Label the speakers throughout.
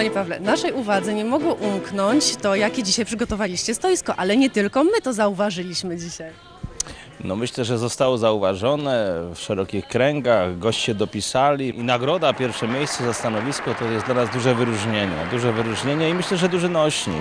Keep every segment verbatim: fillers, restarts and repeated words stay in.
Speaker 1: Panie Pawle, naszej uwadze nie mogło umknąć to, jakie dzisiaj przygotowaliście stoisko, ale nie tylko my to zauważyliśmy dzisiaj.
Speaker 2: No myślę, że zostało zauważone w szerokich kręgach, goście dopisali i nagroda, pierwsze miejsce za stanowisko to jest dla nas duże wyróżnienie, duże wyróżnienie i myślę, że duży nośnik.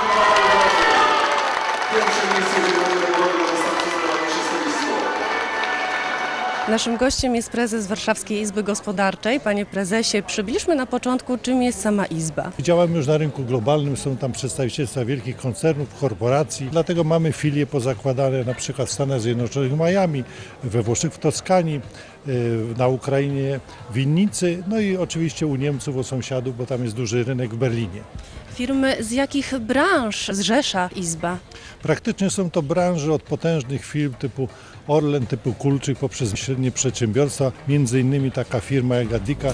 Speaker 3: Pierwsze miejsce wygrane nagrody na wystarczy najważniejsze stoisko.
Speaker 1: Naszym gościem jest prezes Warszawskiej Izby Gospodarczej. Panie prezesie, przybliżmy na początku, czym jest sama Izba.
Speaker 4: Działamy już na rynku globalnym, są tam przedstawicielstwa wielkich koncernów, korporacji, dlatego mamy filie pozakładane na przykład w Stanach Zjednoczonych w Miami, we Włoszech w Toskanii, na Ukrainie w Winnicy, no i oczywiście u Niemców, u sąsiadów, bo tam jest duży rynek w Berlinie.
Speaker 1: Firmy z jakich branż zrzesza Izba?
Speaker 4: Praktycznie są to branże od potężnych firm typu Orlen, typu Kulczyk, poprzez średnie przedsiębiorstwa, między innymi taka firma jak Adika.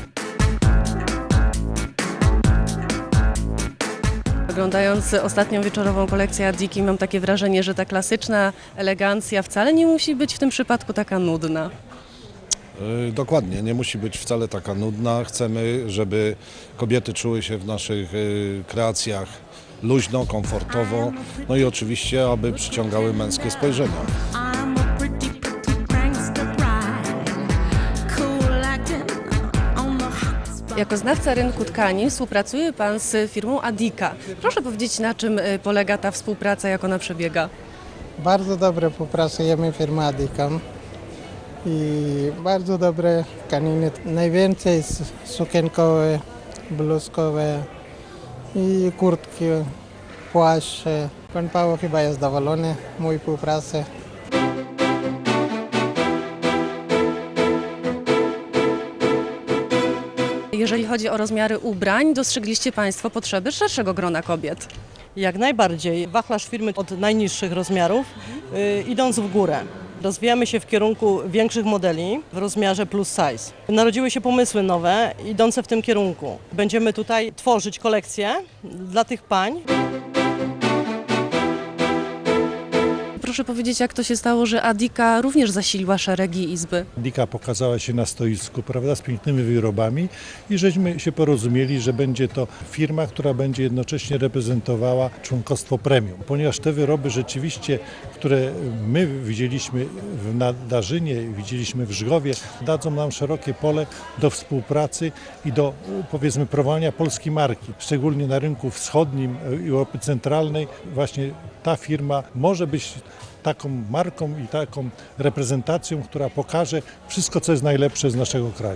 Speaker 1: Oglądając ostatnią wieczorową kolekcję Adiki, mam takie wrażenie, że ta klasyczna elegancja wcale nie musi być w tym przypadku taka nudna.
Speaker 5: Yy, Dokładnie, nie musi być wcale taka nudna. Chcemy, żeby kobiety czuły się w naszych yy, kreacjach luźno, komfortowo, no i oczywiście, aby przyciągały męskie spojrzenia.
Speaker 6: I'm a pretty, pretty prankster bride. Cool acting on the hot spot.
Speaker 1: Jako znawca rynku tkanin współpracuje Pan z firmą Adika. Proszę powiedzieć, na czym y, polega ta współpraca, jak ona przebiega?
Speaker 7: Bardzo dobre współpracujemy firmą Adika i bardzo dobre tkaniny. Najwięcej s- sukienkowe, bluzkowe i kurtki, płaszcze. Pan Paweł chyba jest zadowolony z mojej współpracy.
Speaker 1: Jeżeli chodzi o rozmiary ubrań, dostrzegliście Państwo potrzeby szerszego grona kobiet.
Speaker 8: Jak najbardziej. Wachlarz firmy od najniższych rozmiarów, y, idąc w górę. Rozwijamy się w kierunku większych modeli w rozmiarze plus size. Narodziły się pomysły nowe, idące w tym kierunku. Będziemy tutaj tworzyć kolekcje dla tych pań.
Speaker 1: Proszę powiedzieć, jak to się stało, że Adika również zasiliła szeregi Izby?
Speaker 4: Adika pokazała się na stoisku, prawda, z pięknymi wyrobami i żeśmy się porozumieli, że będzie to firma, która będzie jednocześnie reprezentowała członkostwo premium. Ponieważ te wyroby rzeczywiście, które my widzieliśmy w Nadarzynie, widzieliśmy w Żgowie, dadzą nam szerokie pole do współpracy i do, powiedzmy, promowania polskiej marki. Szczególnie na rynku wschodnim i Europy Centralnej właśnie ta firma może być taką marką i taką reprezentacją, która pokaże wszystko, co jest najlepsze z naszego kraju.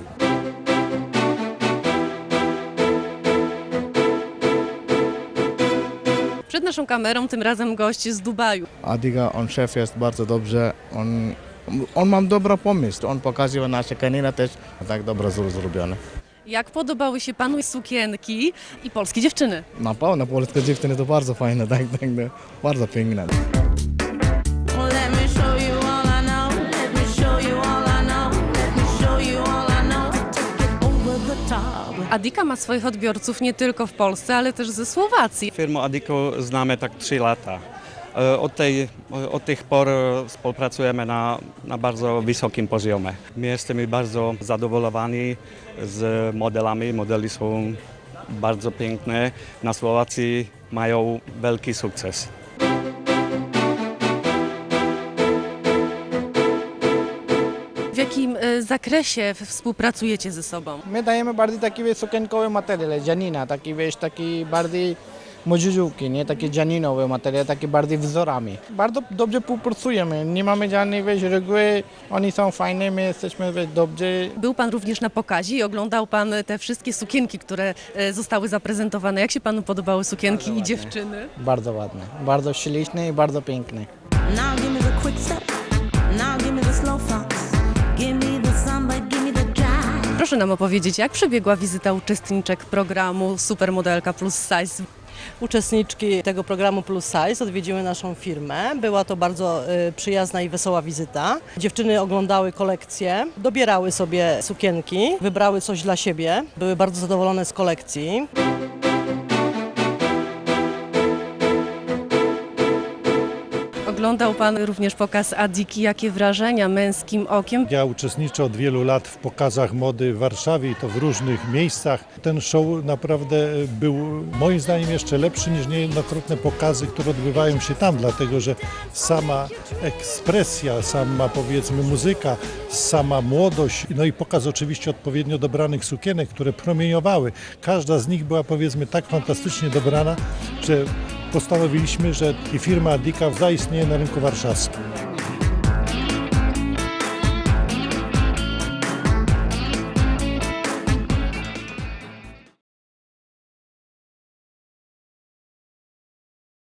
Speaker 1: Przed naszą kamerą tym razem gość z Dubaju.
Speaker 9: Adiga, on szef jest bardzo dobrze, on, on ma dobry pomysł, on pokazuje nasze kaniny też tak dobrze zrobione.
Speaker 1: Jak podobały się Panu sukienki i polskie dziewczyny?
Speaker 9: Na pewno polskie dziewczyny to bardzo fajne, tak, tak, bardzo piękne.
Speaker 6: Well, let me show you all I know. Let me show you all I know. Let me show you all I know. Take it over the top.
Speaker 1: Adika ma swoich odbiorców nie tylko w Polsce, ale też ze Słowacji.
Speaker 10: Firmę Adiku znamy tak trzy lata. E, Od, tej, od tych por współpracujemy na, na bardzo wysokim poziomie. My jesteśmy bardzo zadowoleni z modelami. Modele są bardzo piękne. Na Słowacji mają wielki sukces.
Speaker 1: W jakim y, zakresie współpracujecie ze sobą?
Speaker 7: My dajemy bardziej taki sukienkowy materiał, dzianina, taki wiesz, taki bardziej modziżówki, nie? Takie dzianinowe materiały, takie bardziej wzorami. Bardzo dobrze współpracujemy, nie mamy żadnej wiesz, reguły, oni są fajni, my jesteśmy wiesz, dobrzy.
Speaker 1: Był Pan również na pokazie i oglądał Pan te wszystkie sukienki, które y, zostały zaprezentowane. Jak się Panu podobały sukienki i dziewczyny?
Speaker 7: Bardzo ładne, bardzo śliczne i bardzo piękne.
Speaker 6: Now give me the quick step. Now give me the slow fox. Give me the samba, give me the jive.
Speaker 1: Proszę nam opowiedzieć, jak przebiegła wizyta uczestniczek programu Supermodelka Plus Size.
Speaker 8: Uczestniczki tego programu Plus Size odwiedziły naszą firmę. Była to bardzo y, przyjazna i wesoła wizyta. Dziewczyny oglądały kolekcje, dobierały sobie sukienki, wybrały coś dla siebie. Były bardzo zadowolone z kolekcji.
Speaker 1: oglądał Pan również pokaz Adiki. Jakie wrażenia męskim okiem?
Speaker 4: Ja uczestniczę od wielu lat w pokazach mody w Warszawie i to w różnych miejscach. Ten show naprawdę był moim zdaniem jeszcze lepszy niż niejednokrotne pokazy, które odbywają się tam, dlatego że sama ekspresja, sama powiedzmy muzyka, sama młodość, no i pokaz oczywiście odpowiednio dobranych sukienek, które promieniowały. Każda z nich była powiedzmy tak fantastycznie dobrana, że postanowiliśmy, że i firma Adika zaistnieje na rynku warszawskim.